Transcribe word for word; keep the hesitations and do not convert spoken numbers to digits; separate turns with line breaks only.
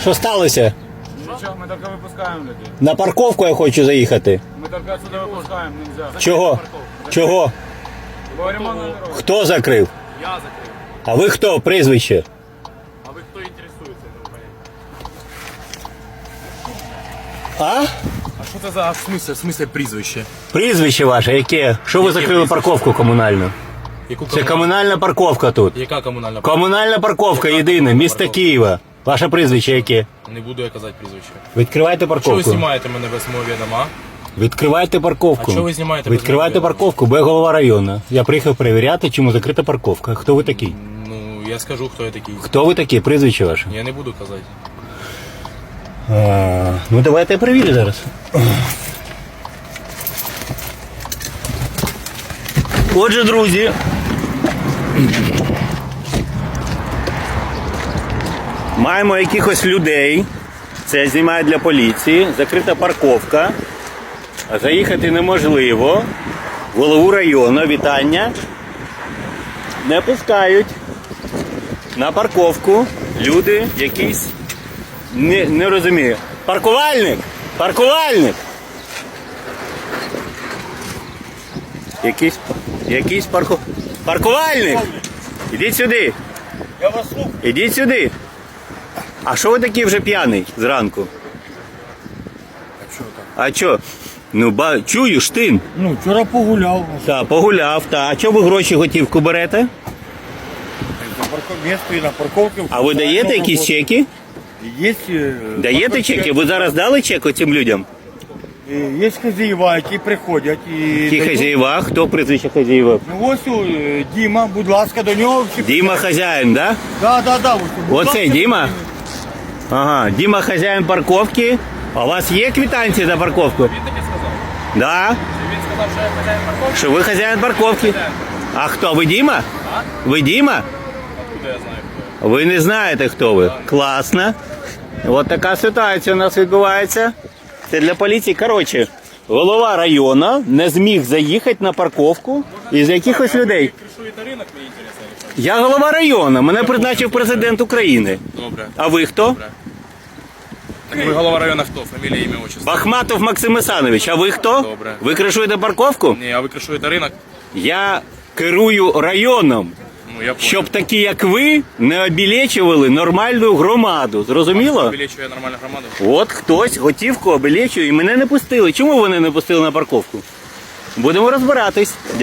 Що сталося?
Ничего, мы только выпускаем людей.
На парковку я хочу заїхати.
Мы только отсюда выпускаем, нельзя.
Чого? Чого?
Говорим о номерах.
Хто закрив?
Я закрив.
А ви хто? Прізвище?
А ви хто інтересується? Не розумію.
А?
А що це за в смысле, в смысле прізвище?
Прізвище ваше яке? Що ви
Яке
закрили
прізвище?
парковку комунальну?
Яку
Це комунальна парковка тут.
Яка комунальна?
Комунальна парковка
Яка
єдина,
комунальна
місто
парковка?
Києва. Ваше прізвище яке?
Не буду я казати прізвище.
Відкривайте
Чого ви
парковку.
знімаєте мене без мого відома?
Відкривайте парковку.
А чого ви знімаєте без
Відкривайте
мого відома?
парковку, бо я голова району. Я приїхав перевіряти, чому закрита парковка. Хто ви такий?
Ну, я скажу, хто я такий.
Хто ви такий? Прізвище ваше?
Я не буду казати.
А, ну давайте я перевірю зараз. Отже, друзі. Маємо якихось людей. Це я знімаю для поліції. Закрита парковка. Заїхати неможливо. Голову району, вітання. Не пускають на парковку люди якісь. Не, не розумію. Паркувальник! Паркувальник! Якийсь, якийсь парку... Паркувальник! Ідіть сюди!
Я вас слухаю.
Ідіть сюди! А що ви такий вже п'яний зранку?
А что так?
А що? Ну, ба... чую, штин.
Ну, вчора погуляв.
Так, погуляв, та. А чого ви гроші готівку берете?
На парков... Место і на парковці.
А ви даєте якісь чеки?
Є, е,
Даєте
парковки.
чеки? Ви зараз дали чек оцим людям?
Е, Є хазяїва, які приходять і...
Які
дають.
хазяїва? Хто прізвище хазяїва?
Ну ось о, е, Діма, будь ласка, до нього. всі-
Діма хазяїн, да?
Да, да, да. Ось, будь
Оцей
ласка,
Діма? Ага, Діма хазяїн парковки. А у вас є квитанції за парковку?
Він тобі сказав?
Да?
Він сказав, що я хазяїн парковки?
Що ви хазяїн парковки? А хто? Ви Діма? Ви Діма?
Откуда я знаю, хто я?
Ви не знаєте, хто ви. Класно. От така ситуація у нас відбувається. Це для поліції. Коротше, голова району не зміг заїхати на парковку із якихось людей.
Кришуєте ринок, мені інтересно.
Я голова району, мене призначив президент України.
Добре.
А ви хто?
Добре. Так ви голова району хто? Фамілія, ім'я, отчество?
Бахматов Максим Ісанович. А ви хто?
Добре.
Ви кришуєте парковку?
Ні, а ви кришуєте ринок?
Я керую районом,
Ну, я понял.
щоб такі, як ви, не обілечували нормальну громаду. Зрозуміло?
Вилічує нормальну громаду?
От хтось готівку обілечує і мене не пустили. Чому вони не пустили на парковку? Будемо розбиратись.